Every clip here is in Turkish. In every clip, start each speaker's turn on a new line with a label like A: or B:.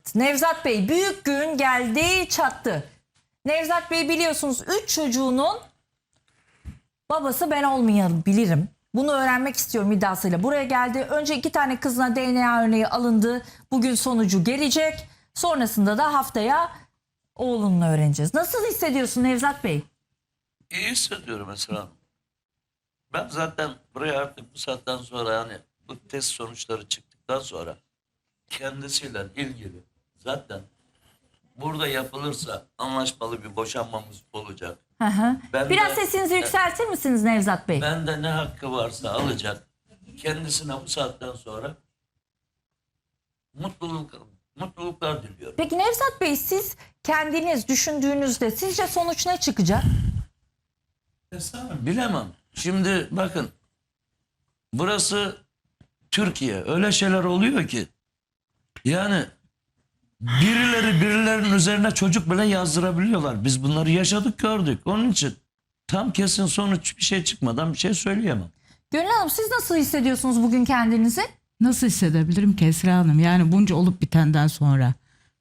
A: Nevzat Bey, büyük gün geldi çattı. Nevzat Bey biliyorsunuz 3 çocuğunun babası ben olmayabilirim. Bunu öğrenmek istiyorum iddiasıyla buraya geldi. Önce 2 tane kızına DNA örneği alındı. Bugün sonucu gelecek. Sonrasında da haftaya oğlunun öğreneceğiz. Nasıl hissediyorsun Nevzat Bey?
B: İyi hissediyorum mesela. Ben zaten buraya artık bu saatten sonra yani bu test sonuçları çıktıktan sonra kendisiyle ilgili zaten burada yapılırsa anlaşmalı bir boşanmamız olacak.
A: Hı hı.
B: Ben
A: Biraz
B: de-
A: sesinizi yükseltir misiniz Nevzat Bey?
B: Bende ne hakkı varsa alacak. Kendisine bu saatten sonra mutluluklar diliyorum.
A: Peki Nevzat Bey, siz kendiniz düşündüğünüzde sizce sonuç ne çıkacak?
B: Bilemem. Şimdi bakın burası Türkiye. Öyle şeyler oluyor ki yani birilerinin üzerine çocuk bile yazdırabiliyorlar. Biz bunları yaşadık, gördük. Onun için tam kesin sonuç bir şey çıkmadan bir şey söyleyemem.
A: Gönül Hanım, siz nasıl hissediyorsunuz bugün kendinizi?
C: Nasıl hissedebilirim ki Esra Hanım? Yani bunca olup bitenden sonra.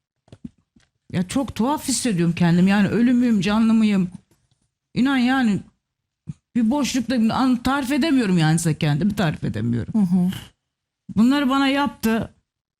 C: Ya çok tuhaf hissediyorum kendim. Yani ölü müyüm, canlı mıyım? İnan yani bir boşlukta tarif edemiyorum yani size kendimi tarif edemiyorum. Bunları bana yaptı.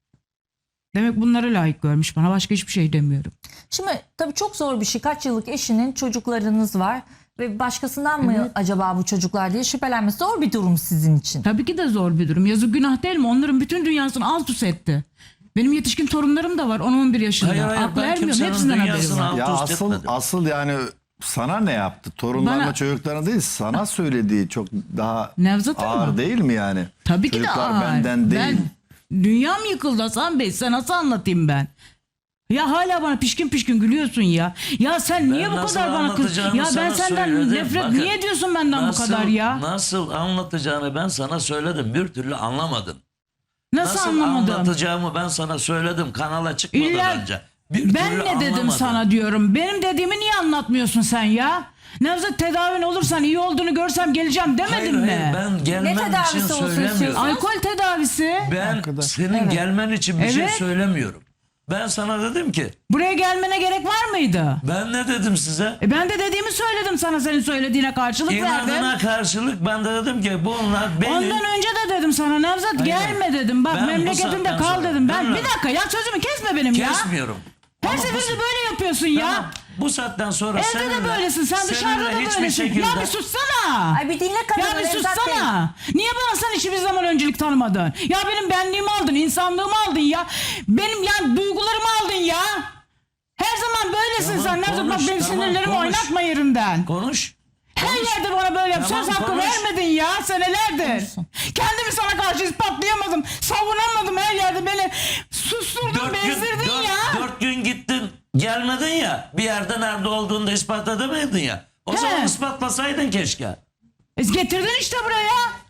C: Demek bunları layık görmüş bana. Başka hiçbir şey demiyorum.
A: Şimdi tabii çok zor bir şey. Kaç yıllık eşinin çocuklarınız var ve başkasından mı acaba bu çocuklar diye şüphelenmesi zor bir durum sizin için.
C: Tabii ki de zor bir durum. Yazık günah değil mi? Onların bütün dünyasını alt üst etti. Benim yetişkin torunlarım da var 10-11 yaşında.
B: Hayır,
C: Aklı
B: ben
C: ermiyor.
B: kimsenin
C: Hepsinden haberi
B: dünyasını
C: var.
B: alt
D: Ya
B: üst etmedim.
D: asıl yani sana ne yaptı? Torunlarına
C: Bana-
D: çocuklarına değil, sana söylediği çok daha
C: Nevzat
D: ağır
C: Hanım.
D: değil mi yani?
C: Tabii ki de
D: Çocuklar
C: ağır.
D: benden değil.
C: Dünyam yıkıldı Hasan Bey. Sen nasıl anlatayım ben? Ya hala bana pişkin pişkin gülüyorsun ya. Ya sen niye bu
B: nasıl
C: kadar bana kız?
B: anlatacağımı
C: Ya ben
B: sana
C: senden
B: söyledim.
C: nefret
B: Bakın,
C: niye ediyorsun benden bu kadar ya?
B: Nasıl anlatacağını ben sana söyledim. Bir türlü anlamadın.
C: Nasıl anlamadım?
B: anlatacağımı ben sana söyledim kanala çıkmadan
C: İlla
B: önce. Bir
C: ben
B: türlü
C: ne dedim
B: anlamadın.
C: sana diyorum. Benim dediğimi niye anlatmıyorsun sen ya? Nevzat tedavin olursan iyi olduğunu görsem geleceğim demedim
B: Hayır,
C: mi?
B: hayır, ben gelmen
A: Ne tedavisi
B: için
A: olsun
B: söylemiyorum.
A: istiyorsun?
C: Alkol tedavisi.
B: Ben senin gelmen için bir şey
C: Evet.
B: söylemiyorum. Ben sana dedim ki
C: Buraya gelmene gerek var mıydı?
B: ben ne dedim size?
C: Ben de dediğimi söyledim sana, senin söylediğine karşılık verdim.
B: İnadına karşılık ben de dedim ki bunlar beni...
C: Ondan önce de dedim sana Nevzat gelme dedim. Bak
B: Ben bu
C: memleketinde
B: saatten
C: kal
B: sonra-
C: dedim. Ben
B: Ben-
C: bir dakika ya, sözümü kesme benim ya.
B: Kesmiyorum.
C: Her
B: Ama bu-
C: seferinde böyle yapıyorsun ya.
B: Tamam, bu saatten sonra
C: Evde
B: seninle,
C: de böylesin, sen dışarıda da
B: seninle hiçbir
C: böylesin.
B: şekilde...
C: Ya bir sussana.
A: Ay bir dinle kadını
C: Ya bir
A: Nevzat Bey.
C: sussana. Niye bana sen hiçbir zaman öncelik tanımadın? Ya benim benliğimi aldın, insanlığımı aldın ya. Benim yani duygularımı aldın ya. Her zaman böylesin
B: Tamam,
C: sen. Nevzat bak
B: konuş,
C: benim
B: tamam,
C: sinirlerimi
B: konuş.
C: oynatma yerinden.
B: Konuş.
C: Her yerde bana böyle yap.
B: Tamam,
C: Söz hakkı
B: konuş.
C: vermedin ya senelerdir. Kendimi sana karşı ispatlayamadım. Savunamadım, her yerde beni susturdun, bezdirdin ya.
B: 4 gün gittin gelmedin ya. Bir yerde nerede olduğunu da ispat edemedin ya. O zaman ispatlasaydın keşke.
C: Getirdin işte buraya.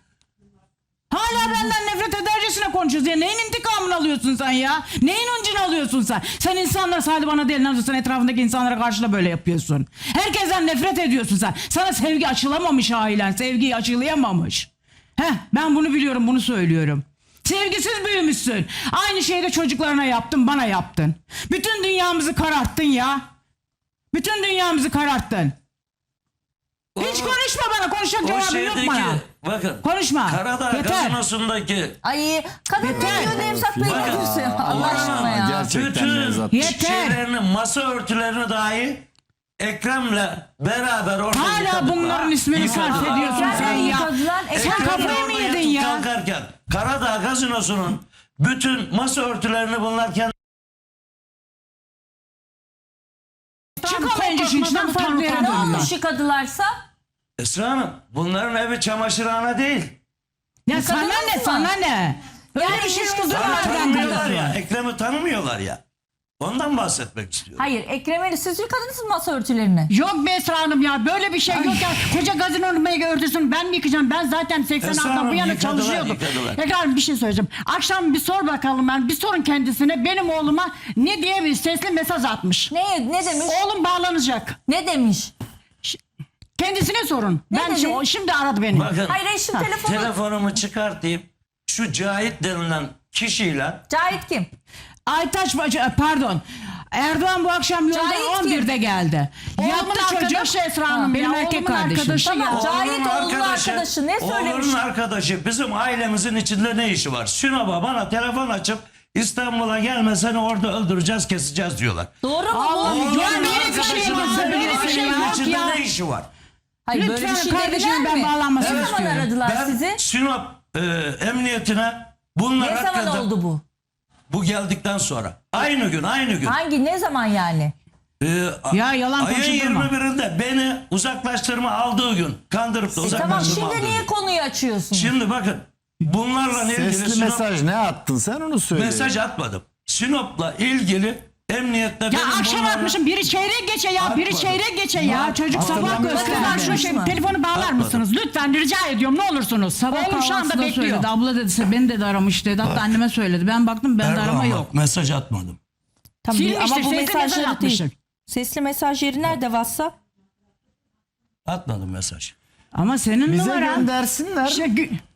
C: Hala benden nefret edercesine konuşuyorsun ya. Neyin intikamını alıyorsun sen ya? Neyin öncünü alıyorsun sen? Sen insanlara, sadece bana değil, sen etrafındaki insanlara karşı da böyle yapıyorsun. Herkesten nefret ediyorsun sen. Sana sevgi açılamamış ailen. Sevgiyi açılayamamış. Ben bunu biliyorum, bunu söylüyorum. Sevgisiz büyümüşsün. Aynı şeyi de çocuklarına yaptın, bana yaptın. Bütün dünyamızı kararttın ya. Bütün dünyamızı kararttın. Hiç konuşma bana. Konuşacak
B: O
C: cevabın yok
B: şeydeki
C: bana.
B: bakın.
C: Konuşma.
B: Karadağ
C: Yeter.
B: gazinosundaki
A: Ay kadın ne
C: Yeter.
A: diyor Nevzat Bey, ne
B: Bakın.
A: diyorsun? Allah aşkına ya.
D: Gerçekten
B: bütün
D: Nevzat.
C: Yeter.
B: şeylerini, masa örtülerini dahi Ekrem'le beraber orada
C: Hala
B: yıkadılar.
C: bunların ismini
B: Yıkadılar.
C: sarf ediyorsun
A: Ekrem'le
C: sen ya.
A: yıkadılar.
C: Sen
A: Ekrem
C: kafayı mı
B: orada
C: yedin
B: yatıp
C: ya?
B: kalkarken Karadağ gazinosunun bütün masa örtülerini bunlar kendi
C: Çıkamayınca şimdi içinden farklı yere
A: Ne
C: dönüyor.
A: olmuş yıkadılarsa?
B: Esra Hanım bunların evi çamaşırhane değil.
C: Ya sana
A: Yıkadınız
C: ne,
A: mı?
C: sana ne? Öyle
A: Yani
C: bir şey
A: ilişkiniz
C: olduğunu
A: var.
C: nereden
B: Tanımıyorlar ya.
C: biliyorsun?
B: Ekrem'i tanımıyorlar ya. Ondan bahsetmek istiyorum.
A: Hayır, Ekrem'e siz yıkadınız mı masa örtülerini?
E: Yok be Esra Hanım ya, böyle bir şey yok ya. Koca gazinonun örtüsünü ben mi yıkayacağım? Ben zaten
B: Esra
E: 86'dan
B: Hanım,
E: bu yana
B: yıkadılar,
E: çalışıyordum.
B: yıkadılar.
E: Ekran Hanım bir şey söyleyeceğim. Akşam bir sor bakalım, ben bir sorun kendisine, benim oğluma ne diye bir sesli mesaj atmış.
A: Ne demiş?
E: Oğlum bağlanacak.
A: Ne demiş?
E: Kendisine sorun.
A: Ne
E: Ben
A: dedi?
E: şimdi aradı beni.
B: Bakın
A: Hayır eşim telefonu.
B: telefonumu çıkartayım. Şu Cahit denilen kişiyle
A: Cahit kim?
C: Aytaç pardon. Erdoğan bu akşam yolda
A: Cahit
C: 11'de geldi.
E: Oğlumun
C: Yattı çocuk.
E: arkadaşı Esra Hanım
C: Benim
E: ya,
C: erkek
E: oğlumun
C: kardeşim.
E: arkadaşı
A: Tamam,
E: ya.
A: Cahit oğlunun arkadaşı ne söylemiş?
B: Oğlunun arkadaşı bizim ailemizin içinde ne işi var? Sinop'a bana telefon açıp İstanbul'a gelme seni orada öldüreceğiz keseceğiz diyorlar.
A: Doğru mu bu?
C: Allah,
B: Oğlunun
C: ya böyle bir şey
B: arkadaşının
C: yok,
B: senin
C: böyle bir şey
B: ailenin
C: yok
B: içinde
C: ya.
B: ne işi var?
A: Hayır böyle bir
C: Lütfen
A: şey
C: kardeşim,
A: dediler
C: ben
A: mi?
C: bağlanmasını
A: Ne zaman
C: istiyorum.
A: aradılar
B: Ben
A: sizi?
B: Sinop emniyetine bunlar
A: Ne zaman
B: hakkında
A: oldu bu?
B: bu geldikten sonra. Aynı gün.
A: Ne zaman yani?
C: Ya yalan
B: Ayın
C: konuşturma.
B: 21'inde beni uzaklaştırma aldığı gün kandırıp da
A: Tamam
B: uzaklaştırma aldığı
A: şimdi niye
B: gün.
A: konuyu açıyorsun?
B: Şimdi bakın bunlarla ilgili
D: Sesli mesaj ne attın sen onu söyle.
B: mesaj atmadım. Sinop'la ilgili emniyette
E: Ya
B: benim
E: akşam
B: bunlarla-
E: atmışım biri çeyrek geçe ya biri
B: Atmadım.
E: çeyrek geçe
C: Ya
E: ya.
C: çocuk sabah
D: Hatırlamıyorum.
C: gösterdi.
E: Şu şey,
A: mı?
E: telefonu bağlar
B: Atmadım.
E: mısınız? Lütfen rica ediyorum ne olursunuz.
C: Sabah
E: Oğlum şu anda
C: kahvaltısında
E: bekliyor.
C: söyledi. Abla dedi beni dedi aramış dedi. Hatta anneme söyledi. Ben baktım bende
B: Erdoğan
C: arama
B: bak,
C: yok.
B: mesaj atmadım.
A: Tamam,
E: Silmiştir,
A: ama bu
E: sesli mesaj
A: mesajları değil.
E: atmıştır.
A: Sesli mesaj yeri nerede WhatsApp?
B: Atmadım mesaj.
C: Ama senin
D: Bize
C: numaran.
D: göndersinler.
E: İşte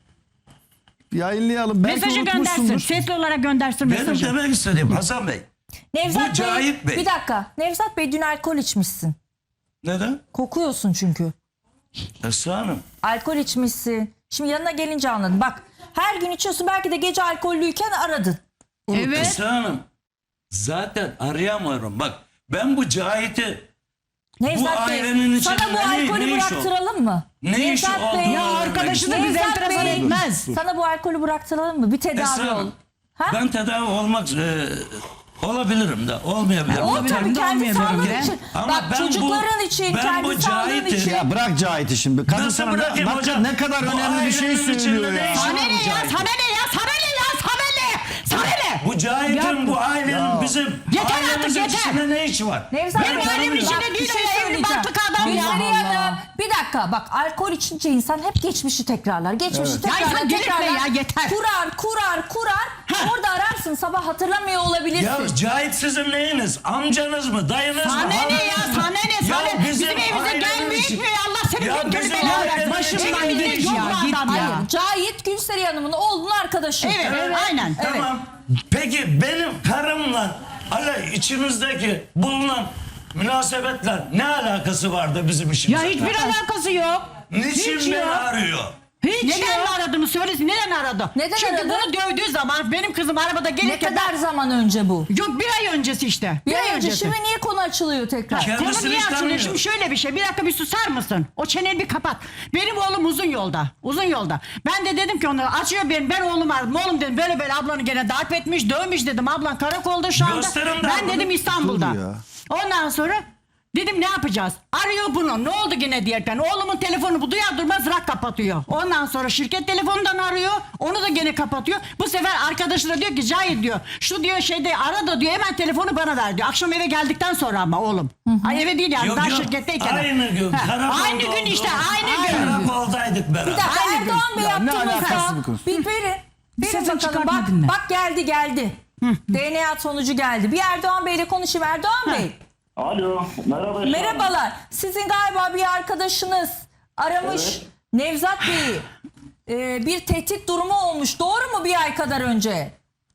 D: Yayınlayalım. Belki
E: mesajı göndersin.
D: unutmuşsundur.
E: Sesli olarak göndersin
B: Benim
E: mesajı.
B: demek istediğim Hasan Bey.
A: Nevzat
B: Bu Cahit Bey.
A: Bir dakika. Nevzat Bey dün alkol içmişsin.
B: Neden?
A: Kokuyorsun çünkü.
B: Esra Hanım.
A: Alkol içmişsin. Şimdi yanına gelince anladım. Bak her gün içiyorsun, belki de gece alkollüyken aradın.
C: Evet.
B: Esra Hanım. Zaten arayamıyorum. Bak ben bu Cahit'i
A: Nevzat
B: ailenin
A: Bey
B: içinde
A: sana bu
B: ne
A: alkolü
B: iş o?
A: bıraktıralım mı?
B: Ne iş
A: Nevzat
B: olduğunu
A: Bey,
C: Ya
B: öğrenmek
C: arkadaşı da
B: istiyorum.
C: bize
A: Nevzat
C: enteresan
A: Bey,
C: etmez.
A: sana bu alkolü bıraktıralım mı? Bir tedavi
B: Esra
A: ol.
B: Hanım.
A: Ha?
B: Ben tedavi olmak olabilirim de olmayabilirim.
A: O
B: de.
A: tabii
C: de
A: kendi
C: olmayabilirim
A: sağlığın
C: de.
A: için.
B: Ama
A: Bak
B: ben
A: çocukların
B: bu-
A: için,
B: ben
A: kendi
B: bu
A: sağlığın
B: Cahit'i-
A: için.
D: Ya bırak Cahit'i şimdi. Kadın
B: Nasıl
D: sana
B: bırakayım hocam?
D: ne kadar
B: Bu
D: önemli bir şey
B: ailenin içinde
D: söylüyor
B: ne
D: ya.
B: işi var
E: Sana ne
B: bu
E: ya?
B: Cahit'in?
E: Sana ne ya? Sana ne ya? Sana ne? Sana ne?
B: Bu Cahit'in bu ailenin bizim
E: Yeter artık,
B: ailemizin
E: yeter.
B: içinde ne işi var?
A: Nevzat
E: Benim
A: Bey,
E: ailemin
A: bak,
E: içinde
A: bir
E: değil o
A: şey
E: ya, evli
A: söyleyeceğim.
E: barklı adam ya.
A: Gülseren
C: Allah
A: Hanım, bir dakika bak, alkol içince insan hep geçmişi tekrarlar. Geçmişi
E: Ya
A: tekrarlar.
E: insan delirtme
A: tekrarlar.
E: ya, yeter.
A: Kurar. Orada ararsın, sabah hatırlamıyor olabilirsin.
B: Ya Cahit sizin neyiniz? Amcanız mı? Dayınız mı?
E: Sana ne
B: halanız
E: ya?
B: mı?
E: Sana ne? Sana
B: Ya
E: bizim evimize
B: ailenin
E: gelmiyor
B: içi-
E: etmiyor. Allah senin
B: Ya
E: bin
B: bizim
E: türlü belanı
B: ailenin
E: versin.
C: başımdan
E: Evimizde
C: git
E: yok
C: ya,
E: bu
C: git
E: adam
C: ya.
A: Hayır, Cahit Gülseren Hanım'ın oğlunun arkadaşı.
E: Evet, aynen.
B: Tamam. Peki benim karımla içimizdeki bulunan münasebetler ne alakası vardı bizim
C: Ya
B: işimize?
C: hiçbir alakası yok.
B: Niçin
C: Hiç
B: beni
C: yok.
B: arıyor?
C: Hiç
E: Neden
C: yok.
E: aradığını söylesin. Neden aradı?
A: Neden
E: Çünkü
A: aradı?
E: bunu dövdüğü zaman benim kızım arabada
A: Ne
E: gelirken...
A: kadar zaman önce bu?
E: Yok bir ay öncesi işte.
A: Bir ay önce.
E: öncesi.
A: Şimdi niye konu açılıyor tekrar?
B: Kendisini
E: Konu niye
B: hiç
E: açılıyor?
B: tanımıyor.
E: Şimdi şöyle bir şey. Bir dakika bir susar mısın? O çeneni bir kapat. Benim oğlum uzun yolda. Uzun yolda. Ben de dedim ki ona açıyor benim. Ben oğlum aradım. Oğlum dedim böyle böyle ablanı gene darp etmiş, dövmüş dedim. Ablan karakolda şu anda.
B: Gösterin de
E: Ben
B: ablanı.
E: dedim İstanbul'da.
D: Dur ya.
E: Ondan sonra dedim ne yapacağız? Arıyor bunu. Ne oldu gene diyerekten. Oğlumun telefonu bu duyar durmaz rak kapatıyor. Ondan sonra şirket telefonundan arıyor. Onu da gene kapatıyor. Bu sefer arkadaşı da diyor ki Cahit diyor. Şu diyor şeyde ara da diyor hemen telefonu bana ver diyor. Akşam eve geldikten sonra ama oğlum. Ay eve değil yani
B: Yok,
E: daha
B: yok.
E: şirketteyken.
B: Aynı gün.
E: Ha,
B: karakolda
E: aynı gün işte aynı gün.
B: Karakoldaydık beraber.
A: Bir dakika,
E: Aynı gün.
A: Erdoğan Bey
D: Ya ne
A: yaptığınızda
D: alakası bu konu?
A: bir verin. Verin
C: Sesini
A: bakalım.
C: çıkartma
A: Bak,
C: dinle.
A: bak geldi. DNA sonucu geldi. Bir Erdoğan Bey'le konuşayım. Erdoğan Bey.
F: Alo, merhaba. Esra Hanım.
A: Merhabalar. Sizin galiba bir arkadaşınız aramış
F: Evet.
A: Nevzat Bey'i. Bir tehdit durumu olmuş. Doğru mu, bir ay kadar önce?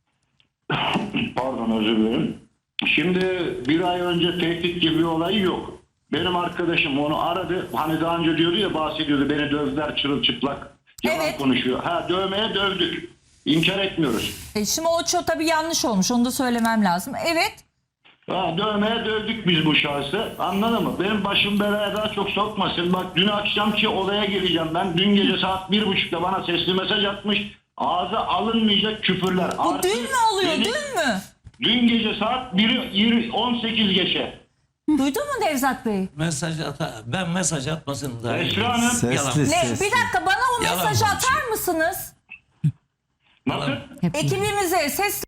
F: Pardon, özür dilerim. Şimdi bir ay önce tehdit gibi bir olay yok. Benim arkadaşım onu aradı. Hani daha önce diyordu ya, bahsediyordu. Beni dövdüler çırılçıplak. Yalan
A: Evet.
F: konuşuyor. Ha, dövmeye dövdük. İnkar etmiyoruz.
A: Şimdi o çok tabii yanlış olmuş. Onu da söylemem lazım. Evet.
F: Ha, dövmeye dövdük biz bu şahsı. Anladın mı? Benim başım belaya daha çok sokmasın. Bak dün akşamki olaya geleceğim ben. Dün gece saat 1.30'da bana sesli mesaj atmış. Ağza alınmayacak küfürler.
A: Bu
F: Artı
A: dün mü oluyor?
F: beni-
A: Dün mü?
F: Dün gece saat 18 geçe.
A: Duydun mu Nevzat Bey?
B: Ben mesaj atmasını da
F: Esra Hanım.
D: Sesli
A: Ne?
D: sesli.
A: Bir dakika, bana o
B: Yalan
A: mesajı
B: konuşuyor.
A: atar mısınız?
F: Nasıl?
A: Ekibimize ses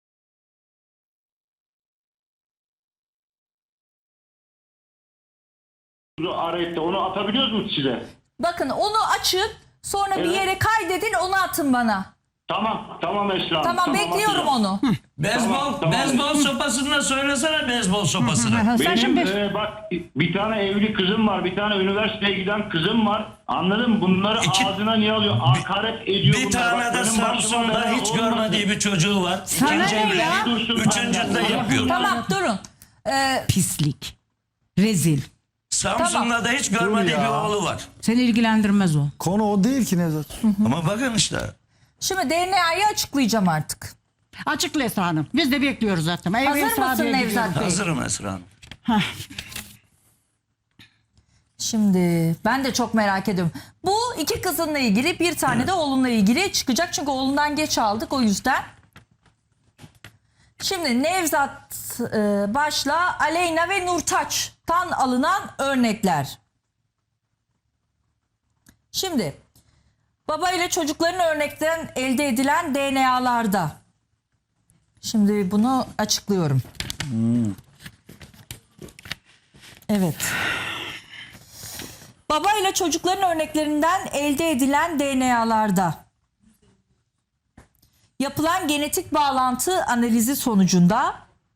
F: Arayıp da onu atabiliyoruz mu size?
A: bakın, onu açın, sonra bir
F: Evet.
A: yere kaydedin, onu atın bana.
F: Tamam Esra Hanım.
A: Tamam bekliyorum
F: atacağım.
A: onu.
B: Beyzbol, beyzbol sopasını söylesene beyzbol sopasını.
C: Sen
F: Benim
C: şimdi
F: bak bir tane evli kızım var. Bir tane üniversiteye giden kızım var. Anladın mı? Bunları ağzına niye alıyor? Hakaret ediyor
B: Bir
F: bunlar.
B: tane
F: Bak,
B: de
F: benim başıma
B: Samsun'da
F: bela
B: hiç
F: olmasın.
B: görmediği bir çocuğu var.
C: Sana
B: İkinci
C: ne ya?
B: evleniyor. Üçüncü de yapıyor.
A: Tamam durun.
C: pislik. Rezil.
B: Samsun'da da hiç görmediği
D: Dur
B: bir
D: ya.
B: oğlu var.
C: Seni ilgilendirmez o.
D: Konu o değil ki Nevzat.
B: Ama bakın işte.
A: Şimdi DNA'yı açıklayacağım artık.
E: Açıkla Esra Hanım. Biz de bekliyoruz zaten.
A: Hazır
E: Esra
A: mısın
E: diye
A: Nevzat
E: gidiyoruz.
A: Bey?
B: Hazırım Esra Hanım.
A: Şimdi ben de çok merak ediyorum. Bu iki kızınla ilgili, bir tane de oğlunla ilgili çıkacak. Çünkü oğlundan geç aldık o yüzden. Şimdi Nevzat başla, Aleyna ve Nurtaç'tan alınan örnekler. Şimdi baba ile çocukların örnekten elde edilen DNA'larda. Şimdi bunu açıklıyorum. Evet. Baba ile çocukların örneklerinden elde edilen DNA'larda yapılan genetik bağlantı analizi sonucunda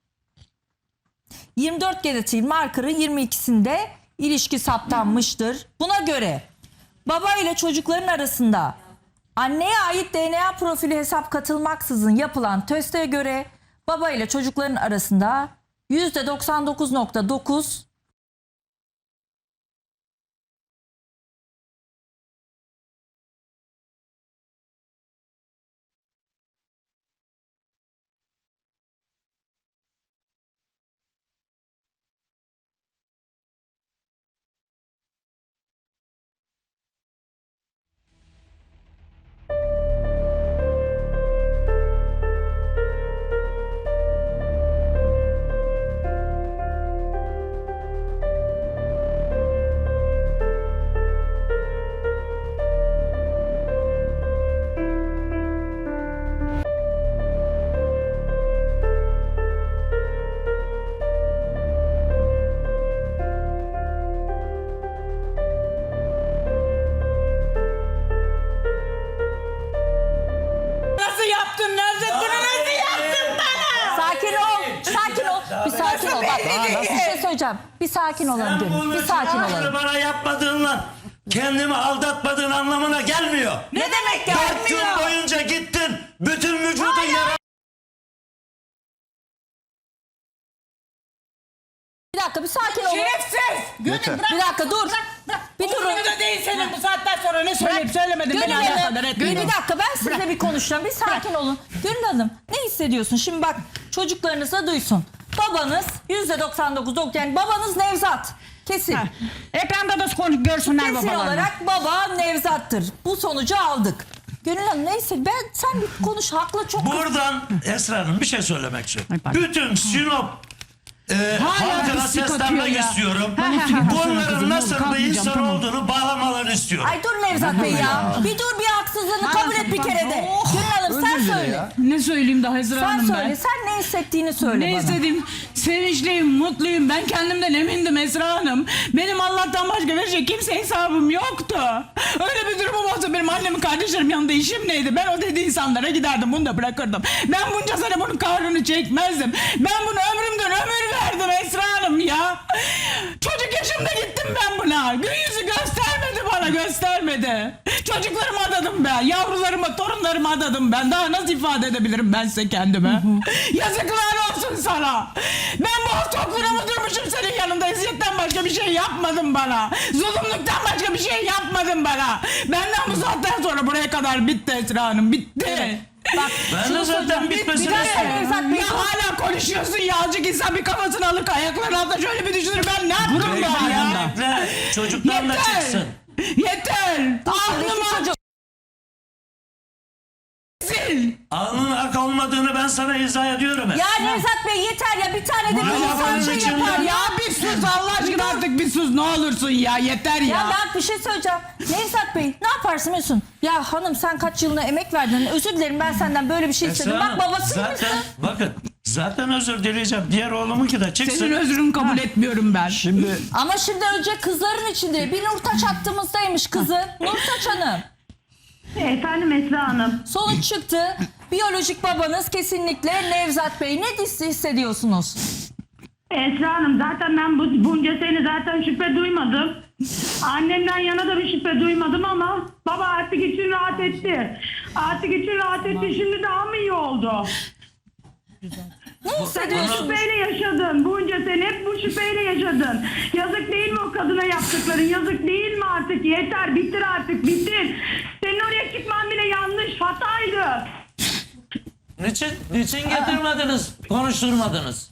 A: 24 genetiğin markörü 22'sinde ilişki saptanmıştır. Buna göre baba ile çocukların arasında anneye ait DNA profili hesap katılmaksızın yapılan teste göre baba ile çocukların arasında %99.9
C: Nasıl yaptın Nevzat? Bunu nasıl yaptın bana?
A: Sakin ol. Sakin ol. Bir sakin ol. Bak bir şey söyleyeceğim. Bir sakin olalım diyorum. Bir sakin olalım.
B: Bana yapmadığınla kendimi aldatmadığın anlamına gelmiyor.
A: Ne demek
B: 4 gün boyunca gittin. Bütün vücudun yara.
A: Bir dakika bir sakin olun.
C: Şerefsiz.
D: Yeter.
A: Bir dakika dur. Bir durun.
C: Umurumda değil senin bu saatten sonra ne söyleyip söylemedim.
A: Gönül
C: Beni alakadar
A: Hanım,
C: etmiyor.
A: bir dakika ben sizinle bir konuşacağım. Bir sakin olun. Gönül Hanım ne hissediyorsun? Şimdi bak çocuklarınız da duysun. Babanız %99 yani babanız Nevzat. Kesin.
E: Ha. Ekranda da görsünler
A: Kesin
E: babalarını.
A: olarak baba Nevzat'tır. Bu sonucu aldık. Gönül Hanım neyse sen bir konuş. Haklı çok.
B: Buradan Esra Hanım bir şey söylemek istiyorum.
E: Ay, pardon.
B: Bütün Sinop
C: Hala
B: halkına
C: pislik atıyor
B: seslenmek
C: ya.
B: istiyorum.
C: Kızım,
B: Bunların
C: ne
B: nasıl
C: olur,
B: bir
C: kalkmayacağım,
B: insan
C: tamam.
B: olduğunu bağlamalarını istiyorum.
A: Ay dur Nevzat Bey ya. Bir dur bir haksızlığını kabul et bir kere de. Gönül Hanım sen
D: Özür dile
A: söyle.
D: ya.
C: Ne söyleyeyim daha Ezra
A: Sen
C: Hanım ben?
A: söyle. Sen ne hissettiğini söyle
C: Ne
A: bana.
C: istedim? Sevinçliyim, mutluyum. Ben kendimden emindim Esra Hanım. Benim Allah'tan başka bir şey kimse hesabım yoktu. Öyle bir durumum olsa benim annemin kardeşlerim yanında işim neydi? Ben o dediği insanlara giderdim bunu da bırakırdım. Ben bunca sene bunun kahrını çekmezdim. Ben bunu ömrümden ömür verdim Esra Hanım ya. Çocuk yaşımda gittim ben buna. Gün yüzü göstermedi bana göstermedi. Çocuklarımı adadım ben. Yavrularımı, torunlarımı adadım ben. Daha nasıl ifade edebilirim ben size kendime? Yazıklar olsun sana. Ben bu çokluğuna mı durmuşum senin yanında? Eziyetten başka bir şey yapmadın bana. Zulümlükten başka bir şey yapmadın bana. Benden bu saatten sonra buraya kadar bitti Esra Hanım. Bitti.
A: Bak
B: Ben
A: şunu
B: de zaten
A: söyleyeceğim.
B: bitmesini
A: Bir dakika
B: istiyorum.
A: Nevzat Bey.
C: Ya hala konuşuyorsun ya. Azıcık insan bir kafasını alıp ayaklarının altına şöyle bir düşünür. Ben ne yaptım ya?
B: Bekle, çocuklarla
C: Yeter.
B: çıksın.
C: Yeter.
A: İki
C: Aklıma
A: çocuk.
C: sil.
B: Alnın ak olmadığını ben sana izah ediyorum.
A: Ya Nevzat Bey yeter ya bir tane de bir insan
B: babanın
A: şey
B: içinde-
A: yapar ya.
C: Ya bir sus Allah aşkına artık bir sus ne olursun ya yeter ya.
A: Ya bak bir şey söyleyeceğim. Nevzat Bey ne yaparsın biliyorsun? Ya hanım sen kaç yılına emek verdin. Özür dilerim ben senden böyle bir şey istedim.
B: Esra
A: Bak
B: Hanım,
A: babası
B: zaten,
A: mısın?
B: bakın zaten özür dileyeceğim. Diğer oğlumunki de çıksın.
C: Senin özrünü kabul etmiyorum ben.
D: Şimdi
A: Ama şimdi önce kızların içinde bir Nurtaç hattımızdaymış kızı. Nurtaç Hanım.
G: Efendim Esra Hanım.
A: Sonuç çıktı. Biyolojik babanız kesinlikle Nevzat Bey. Ne hissediyorsunuz?
G: Esra Hanım zaten ben bunca sene zaten şüphe duymadım. Annemden yana da bir şüphe duymadım ama baba artık için rahat etti. Artık için rahat etti. Şimdi daha mı iyi oldu?
A: Ne
G: Sen hep
A: hissediyorsunuz?
G: şüpheyle yaşadın. Bunca sene hep bu şüpheyle yaşadın. Yazık değil mi o kadına yaptıkların? Yazık değil mi artık? Yeter, bitir artık, bitir. Senin oraya çıkman bile yanlış, hataydı.
B: Niçin getirmediniz, konuşturmadınız?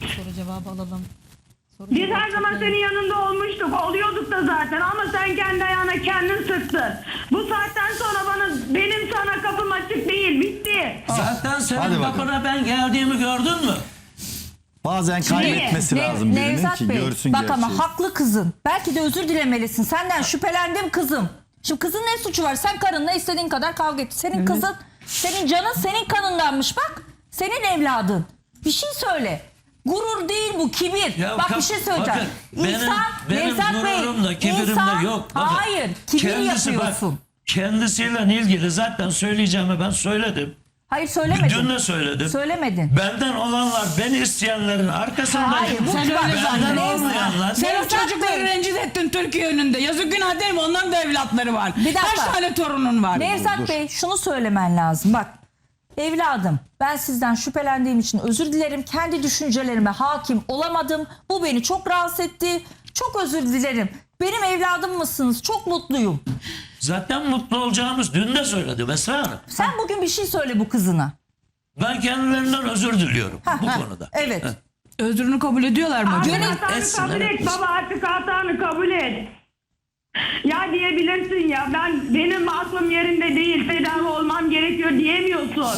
G: Biz her zaman senin yanında olmuştuk. Oluyorduk da zaten ama sen kendi ayağına kendin sıktın. Bu saatten sonra benim sana kapım açık değil. Bitti.
B: Zaten
D: Hadi
B: senin
D: bakalım.
B: kapına ben geldiğimi gördün mü?
D: Bazen kaybetmesi lazım birinin
A: Nevzat
D: ki
A: Bey,
D: görsün
A: bak
D: gerçeği.
A: ama haklı kızın. Belki de özür dilemelisin. Senden şüphelendim kızım. Şimdi kızın ne suçu var? Sen karınla istediğin kadar kavga et. Senin kızın, senin canın senin kanındanmış bak. Senin evladın. Bir şey söyle. Gurur değil bu, kibir.
B: Ya
A: bak bir şey söyleyeceğim.
B: bakın, benim
A: Nevzat Bey,
B: gururumda, kibirimde
A: insan-
B: yok. Bakın,
A: Hayır, kibir yapıyorsun.
B: Bak, kendisiyle ilgili zaten söyleyeceğimi ben söyledim.
A: Hayır söylemedin.
B: Dün de söyledim.
A: Söylemedin.
B: Benden olanlar, beni isteyenlerin arkasındayım.
A: Hayır, bu
C: Sen
A: bak,
C: öyle
B: Benden
C: zannediyorsun.
B: olmayanlar.
C: Sen o
A: Nevzat
C: çocukları
A: Bey.
C: rencide ettin Türkiye önünde. Yazık günah değil mi? Onların da evlatları var.
A: Bir dakika.
C: Kaç tane torunun var?
A: Nevzat Bey şunu söylemen lazım. Bak evladım ben sizden şüphelendiğim için özür dilerim. Kendi düşüncelerime hakim olamadım. Bu beni çok rahatsız etti. Çok özür dilerim. Benim evladım mısınız? Çok mutluyum.
B: Zaten mutlu olacağımız dün de söyledim Esra Hanım.
A: Sen bugün bir şey söyle bu kızına.
B: Ben kendilerinden özür diliyorum bu konuda.
A: Evet.
C: Özrünü kabul ediyorlar mı acaba?
A: Gönül-
G: Hatanı
B: etsin,
G: kabul
B: evet.
G: et baba, artık hatanı kabul et. Ya diyebilirsin ya, benim aklım yerinde değil, tedavi olmam gerekiyor diyemiyorsun.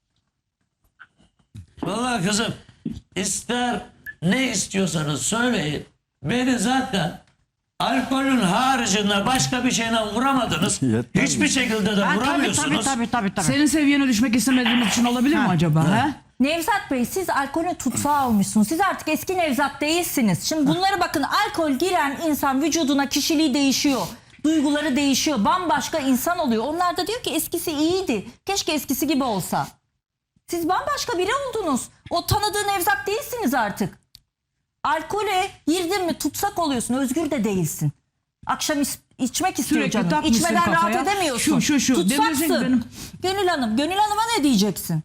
B: Vallahi kızım ister ne istiyorsanız söyleyin. Beni zaten alkolün haricinde başka bir şeyle vuramadınız.
D: Yetmez
B: Hiçbir şekilde de vuramıyorsunuz.
E: Tabii.
C: Senin seviyene düşmek istemediğiniz için olabilir mi acaba? He?
A: Nevzat Bey siz alkolün tutsağı olmuşsunuz. Siz artık eski Nevzat değilsiniz. Şimdi bunları bakın, alkol giren insan vücuduna kişiliği değişiyor. Duyguları değişiyor. Bambaşka insan oluyor. Onlar da diyor ki eskisi iyiydi. Keşke eskisi gibi olsa. Siz bambaşka biri oldunuz. O tanıdığı Nevzat değilsiniz artık. Alkole girdin mi tutsak oluyorsun. Özgür de değilsin. Akşam içmek istiyor
C: Sürekli
A: canım.
C: takmışsın
A: İçmeden
C: kafaya.
A: rahat edemiyorsun.
C: Şu. Demesin ki
A: Tutsaksın.
C: benim-
A: Gönül Hanım. Gönül Hanım'a ne diyeceksin?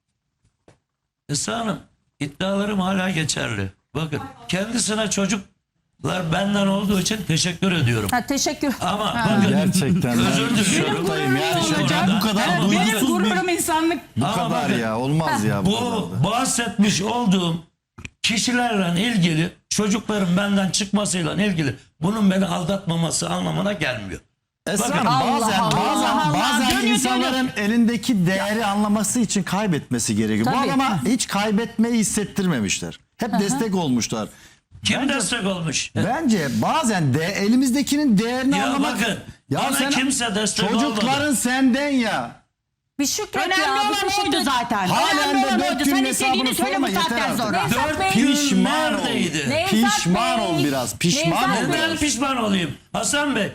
B: Esra Hanım iddialarım hala geçerli. Bakın kendisine çocuklar benden olduğu için teşekkür ediyorum.
A: Ha, teşekkür.
B: Ama bakın
D: Gerçekten
B: özür
D: ben
B: diliyorum.
D: şoktayım yani.
C: olacak.
D: Bu kadar
B: Ama
C: Benim
D: duygusuz bir
C: gururum insanlık.
D: bu
B: Ama
D: kadar
B: bakın,
D: ya olmaz ya bu kadar
B: Bu
D: da.
B: bahsetmiş olduğum kişilerle ilgili çocukların benden çıkmasıyla ilgili bunun beni aldatmaması anlamına gelmiyor.
D: Esra
B: Bakın,
D: Hanım
A: Allah.
D: bazen
C: Dönüyor,
D: insanların elindeki değeri anlaması için kaybetmesi gerekiyor. Bu
A: Tabii.
D: adama hiç kaybetmeyi hissettirmemişler. Hep destek olmuşlar.
B: Kim destek olmuş?
D: Bence bazen de elimizdekinin değerini
B: Ya
D: anlamak.
B: bakın, bana kimse destek
D: çocukların
B: olmadı.
D: senden ya.
A: Bir şükret
E: Önemli
A: ya. Bir
E: olan
A: teşekkür
E: oydu zaten.
D: Halen
E: Önemli
D: de
E: olan
D: 4
E: oydu.
D: günün
E: Sen
D: hesabını
E: istediğini söyle
D: sorma
E: bu
D: yeter
E: saatten
D: artık.
E: sonra.
A: Nevzat
B: Dört
A: Bey.
B: gün
D: Pişman ol.
B: neredeydi?
A: Nevzat
D: Pişman
A: Bey.
D: ol biraz. Pişman
A: Nevzat
D: ol.
A: Bey.
B: Neden pişman olayım? Hasan Bey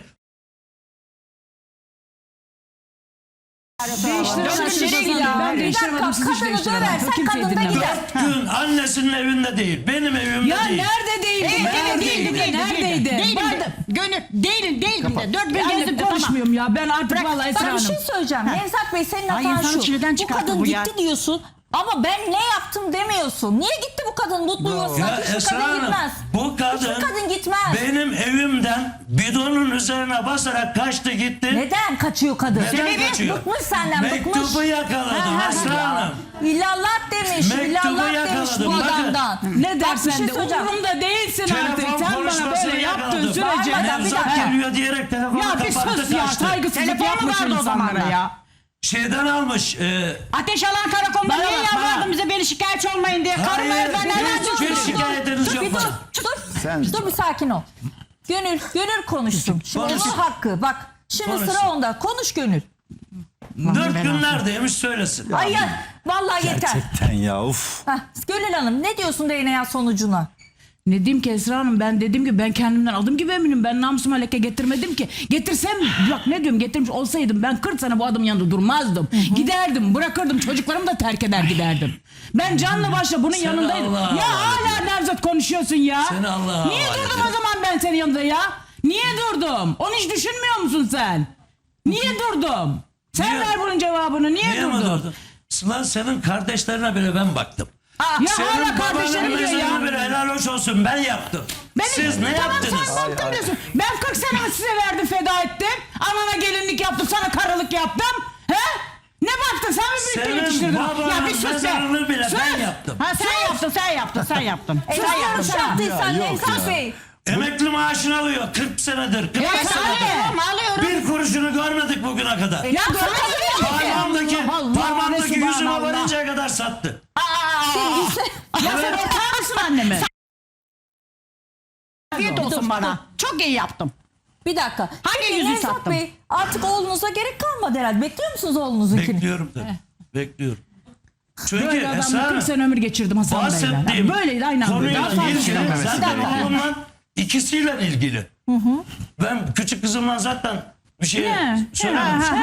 C: Değiştiremezsin.
A: Ya.
C: Ben
A: Bir
C: değiştiremedim,
A: dakika,
C: siz hiç
A: kadını
C: değiştiremediniz.
A: döversen
C: Kimseyi
A: kadın da
C: dinlemem.
A: gider.
B: 4 gün annesinin evinde değil, benim evimde
C: Ya
B: değil.
C: nerede değildi? Neredeydi? Neredeydi?
E: Değildi. Gönül değildi de 4 gün
C: Ben
E: gezdim
C: de
E: de tamam.
C: konuşmuyorum ya. Ben artık vallahi Esra
A: Ben bir
C: Hanım.
A: şey söyleyeceğim. Nevzat Bey senin
E: Ay,
A: hatan
E: insanı
A: şu.
E: çileden
A: Bu
E: çıkarttı
A: kadın
E: bu
A: gitti
E: ya.
A: diyorsun. Ama ben ne yaptım demiyorsun. Niye gitti bu kadın? Mutlu yuvasına
B: Ya
A: hiçbir
B: Esra
A: kadın
B: Hanım,
A: gitmez.
B: bu kadın
A: Hiçbir kadın gitmez.
B: benim evimden bidonun üzerine basarak kaçtı gitti.
A: Neden kaçıyor kadın?
B: Neden kaçıyor?
A: Bıkmış senden, bıkmış.
B: Mektubu yakaladım Esra Hanım.
A: İllallah demiş,
B: Mektubu
A: illallah demiş bu
B: yakaladım, bakın.
A: adamdan.
C: Ne
A: Bak, bir
C: dersen
A: şey
C: de
A: söyleyeceğim.
C: umurumda değilsin artık.
B: Telefon
C: Sen bana
B: konuşmasını
C: böyle yaptığın
B: yakaladım.
C: sürece.
A: Bağırmadan bir
B: Nevzat
A: dakika.
B: geliyor diyerek telefonu
C: Ya bir
B: kapattı
C: sus ya.
B: kaçtı.
C: Saygısızlık
E: Telefonu
C: yapmış
E: vardı o
C: insanlara
E: zamanlar.
C: ya.
B: Şeyden almış.
E: Ateş alan karakolda
C: Bana
E: niye
C: bak,
E: yalvardın
C: bana.
E: bize beni şikayetçi olmayın diye. Karım
B: Hayır,
E: evden
B: hiçbir şikayetiniz yok.
A: Bir dur,
D: Sen-
A: dur bir sakin ol. Gönül konuşsun. Şimdi
B: Konuş.
A: onun hakkı. Bak şimdi
B: Konuşsun.
A: sıra onda. Konuş Gönül.
B: 4 gün neredeymiş söylesin.
A: Ay ya, vallahi yeter.
D: Gerçekten ya uf.
A: Heh, Gönül Hanım ne diyorsun DNA sonucuna?
C: Ne diyeyim ki Esra Hanım, ben dedim ki ben kendimden adım gibi eminim. Ben namusuma leke getirmedim ki. Getirsem bak ne diyorum, getirmiş olsaydım ben 40 sene bu adamın yanında durmazdım. Giderdim, bırakırdım, çocuklarımı da terk eder giderdim. Ben canla başla bunun yanındaydım.
B: Allah'a
C: Ya hala Nevzat konuşuyorsun ya.
B: Seni Allah'a
C: Niye
B: havale
C: durdum
B: ediyorum.
C: o zaman ben senin yanında ya? Niye durdum? Onu hiç düşünmüyor musun sen? Niye durdum? Sen
B: Niye?
C: ver bunun cevabını. Niye
B: Niye mi
C: durdun?
B: durdun? Lan senin kardeşlerine bile ben baktım.
C: Ya
B: Senin
C: hala kardeşlerim
B: babanın
C: diyor ya.
B: mezarına bile helal hoş olsun, ben yaptım. Siz ne
C: tamam,
B: yaptınız?
C: sen baktın diyorsun. Ben 40 senemi size verdim, feda ettim. Anana gelinlik yaptım, sana karılık yaptım. He? Ne baktın, sen mi birlikte
B: Senin
C: yetiştirdin?
B: babanın
C: bir sus be.
B: mezarını bile
C: Sus.
B: ben yaptım.
E: Ha sen yaptın. Sen yaptın.
A: Yanlış yaptıysan
D: yok
A: Nevzat
D: ya.
A: Bey.
B: Emekli maaşını alıyor 40 senedir. 40
C: Evet,
B: senedir.
E: Alıyorum.
B: Bir kuruşunu görmedik bugüne kadar.
C: Ya sana
B: Parmağımdaki
C: Resulü
B: yüzüme
C: Allah.
B: varıncaya kadar sattı.
C: Ya sen ortağı mısın anneme?
E: Afiyet olsun bana. Çok iyi yaptım.
A: Bir dakika.
E: Hangi
A: Peki
E: yüzü
A: Nevzat
E: sattım?
A: Bey, artık oğlunuza gerek kalmadı herhalde. Bekliyor musunuz oğlunuzunkini?
B: Bekliyorum tabii. Bekliyorum. Çünkü
C: Böyle adamla
B: Esra
C: 40 sene ömür geçirdim Hasan Bey'le.
B: bahsettiğim
C: Böyleydi aynen böyle.
B: konuyla
C: Daha fazla
B: ilgili
C: söylemez.
B: zaten oğlumla ikisiyle ilgili. Ben küçük kızımla zaten bir şey söylememiştim.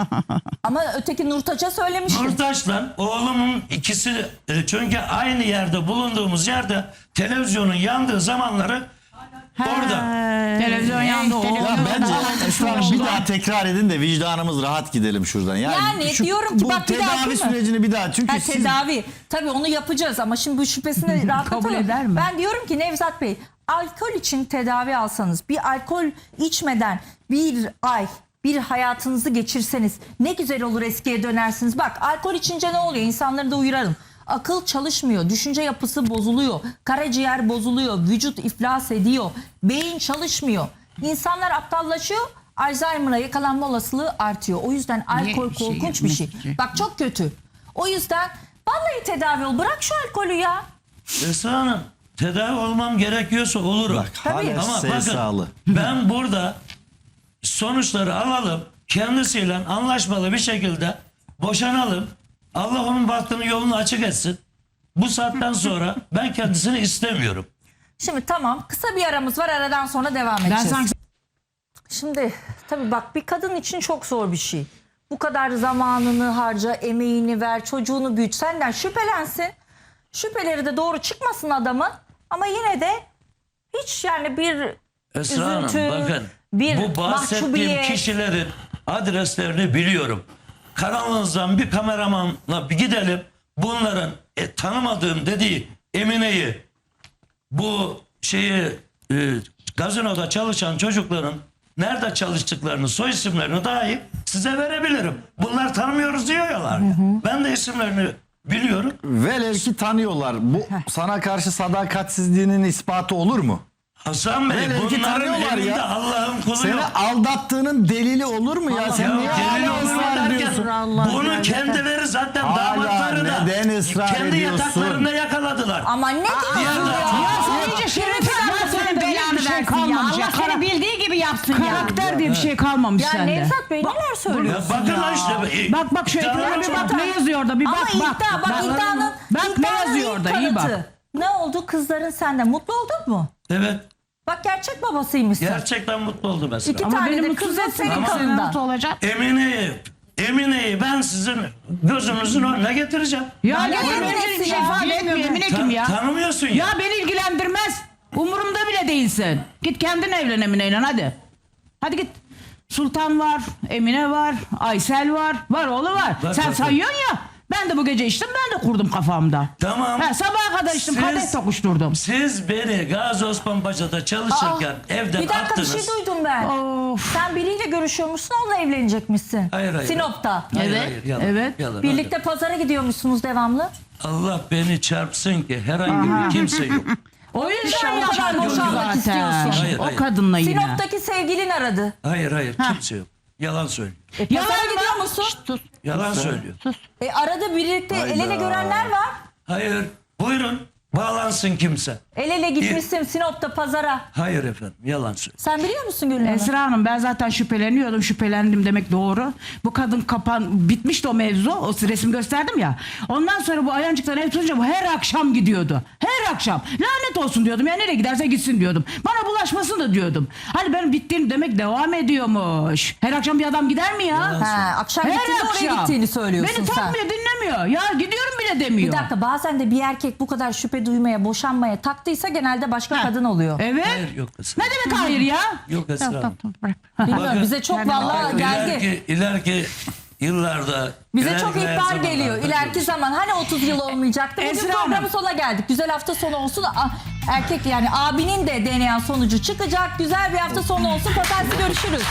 A: Ama öteki Nurtaç'a söylemiştim.
B: Nurtaş'la oğlumun ikisi çünkü aynı yerde bulunduğumuz yerde televizyonun yandığı zamanları orada.
C: Televizyon yandı.
D: Ya bence Esra Hanım bir daha tekrar edin de vicdanımız rahat gidelim şuradan.
A: Yani diyorum ki
D: bu
A: bak bir daha
D: tedavi
A: değil mi?
D: sürecini bir daha çünkü
A: Ha,
D: siz
A: tedavi. Tabii onu yapacağız ama şimdi bu şüphesini rahatlatalım.
C: Kabul eder mi?
A: Ben diyorum ki Nevzat Bey, alkol için tedavi alsanız, bir alkol içmeden bir ay bir hayatınızı geçirseniz ne güzel olur, eskiye dönersiniz. Bak alkol içince ne oluyor? İnsanları da uyaralım. Akıl çalışmıyor, düşünce yapısı bozuluyor, karaciğer bozuluyor, vücut iflas ediyor, beyin çalışmıyor. İnsanlar aptallaşıyor, Alzheimer'a yakalanma olasılığı artıyor. O yüzden alkol korkunç bir şey. Bak çok kötü. O yüzden vallahi tedavi ol. Bırak şu alkolü ya.
B: Esra Hanım tedavi olmam gerekiyorsa olurum.
D: bak hala
B: Ama bakın
D: sağlı.
B: ben burada sonuçları alalım, kendisiyle anlaşmalı bir şekilde boşanalım. Allah onun bahtını yolunu açık etsin. Bu saatten sonra ben kendisini istemiyorum.
A: Şimdi tamam, kısa bir aramız var, aradan sonra devam
C: Ben
A: edeceğiz.
C: sanki
A: Şimdi tabii bak, bir kadın için çok zor bir şey. Bu kadar zamanını harca, emeğini ver, çocuğunu büyüt, senden şüphelensin. Şüpheleri de doğru çıkmasın adamın. Ama yine de hiç yani bir
B: Esra Hanım
A: üzüntü,
B: bakın
A: bir
B: bu bahsettiğim
A: mahcubiyet.
B: kişilerin adreslerini biliyorum. Kanalınızdan bir kameramanla bir gidelim. Bunların tanımadığım dediği Emine'yi, bu gazinoda çalışan çocukların nerede çalıştıklarını, soy isimlerini dahi size verebilirim. Bunlar tanımıyoruz diyorlar. Ben de isimlerini biliyorum.
D: Velev ki tanıyorlar. Bu sana karşı sadakatsizliğinin ispatı olur mu?
B: Hasan Bey
D: Velev ki
B: bunların
D: tanıyorlar
B: elinde
D: ya.
B: Allah'ın kulu
D: Seni
B: yok.
D: aldattığının delili olur mu ya? Sen niye
B: Gelin
D: hala
B: olur
D: ısrar
B: derken
D: ediyorsun?
B: bunu kendileri zaten
D: Hala
B: damatları da
D: neden ısrar
B: kendi
D: ediyorsun?
B: yataklarında yakaladılar.
A: Ama ne diyorsun ya?
C: Ya sen iyice şerefsiz.
E: Allah senin belanı versin ya.
C: kalmamış ya.
E: Allah seni bildiği gibi yapsın ya.
C: Karakter diye bir şey kalmamış
A: Ya
C: sende.
A: Nevzat Bey neler
B: Ya
A: söylüyorsun?
B: bakın lan işte.
C: Bak şu
B: iddialar
C: ekrana bir
B: çok.
C: bak, ne yazıyor orada bir
A: Ama
C: bak
A: iddia, iddianın,
C: Bak ne
A: iddianın
C: yazıyor
A: ilk
C: orada, iyi bak.
A: kanıtı. Ne oldu, kızların senden mutlu oldun mu?
B: Evet.
A: Bak gerçek babasıymışsın.
B: Gerçekten mutlu oldum mesela.
A: İki
C: Ama
A: tane
C: beni
A: de
C: mutsuz
A: kızın
C: etsin.
A: senin
B: Ama-
A: kanından.
E: olacak.
B: Emine'yi ben sizin gözünüzün önüne getireceğim.
C: Ya
A: ne
C: benim
A: Eminesi
C: için bir şey
A: ya?
C: ifade etmiyor. Emine kim ya?
B: Tanımıyorsun ya.
C: Ya beni ilgilendirmez. Umurumda bile değilsin. Git kendin evlen Emine'yle hadi. Hadi git. Sultan var, Emine var, Aysel var, oğlu var.
B: Bak,
C: Sen
B: bak,
C: sayıyorsun ya. Ben de bu gece içtim, ben de kurdum kafamda.
B: Tamam.
C: Sabaha kadar içtim,
B: Siz-
C: kadeh tokuşturdum.
B: Siz beni Gazi Osman Paşa'da çalışırken evden
A: Bir dakika,
B: attınız.
A: bir şey duydum ben.
C: Of.
A: Sen biriyle görüşüyormuşsun, onunla evlenecekmişsin.
B: Hayır.
A: Sinop'ta.
B: Hayır,
C: Evet,
B: hayır, yalan,
C: evet.
B: yalan,
A: Birlikte pazara gidiyormuşsunuz devamlı.
B: Allah beni çarpsın ki herhangi bir kimse yok.
C: O yüzden
A: İnşallah
C: ya
A: ben boşanmak istiyorsun.
B: Hayır,
C: O
B: hayır.
C: kadınla yine.
A: Sinop'taki sevgilin aradı.
B: Hayır kimse yok. Yalan söylüyor.
C: Yalan
A: Pazara
C: mı?
A: gidiyor musun?
B: Yalan söylüyor.
A: Arada birlikte el ele görenler var.
B: Hayır. Buyurun. Bağlansın kimse.
A: El ele gitmişsin Sinop'ta pazara.
B: Hayır efendim, yalan söylüyor.
A: Sen biliyor musun Gülnur Hanım?
C: Esra Hanım ben zaten şüpheleniyordum. Şüphelendim demek doğru. Bu kadın bitmişti o mevzu. O resim gösterdim ya. Ondan sonra bu Ayancık'tan ev tutunca bu her akşam gidiyordu. Her akşam. Lanet olsun diyordum. Ya nereye giderse gitsin diyordum. Bana bulaşmasın da diyordum. Hani benim bittiğim demek devam ediyormuş. Her akşam bir adam gider mi ya?
A: Ha, akşam gittiğinde oraya gittiğini söylüyorsun
C: Beni
A: sen.
C: takmıyor, dinlemiyor. Ya gidiyorum bile demiyor.
A: Bir dakika, bazen de bir erkek bu kadar şüphe duymaya, boşanmaya taktıysa genelde başka kadın oluyor.
C: Evet.
B: Hayır, yok Esra.
C: Ne demek hayır ya?
B: Yok Esra Hanım.
A: Bilmiyorum,
B: Bakın,
A: bize çok vallahi geldi.
B: İleriki yıllarda
A: Bize
B: ileriki
A: çok ihbar
B: zamanlarda
A: geliyor. İleriki zaman hani 30 yıl olmayacaktı. Bugün
C: Esra
A: programın
C: Hanım.
A: sonuna geldik. Güzel hafta sonu olsun. Erkek yani abinin de DNA sonucu çıkacak. Güzel bir hafta sonu olsun. Pazartesi görüşürüz.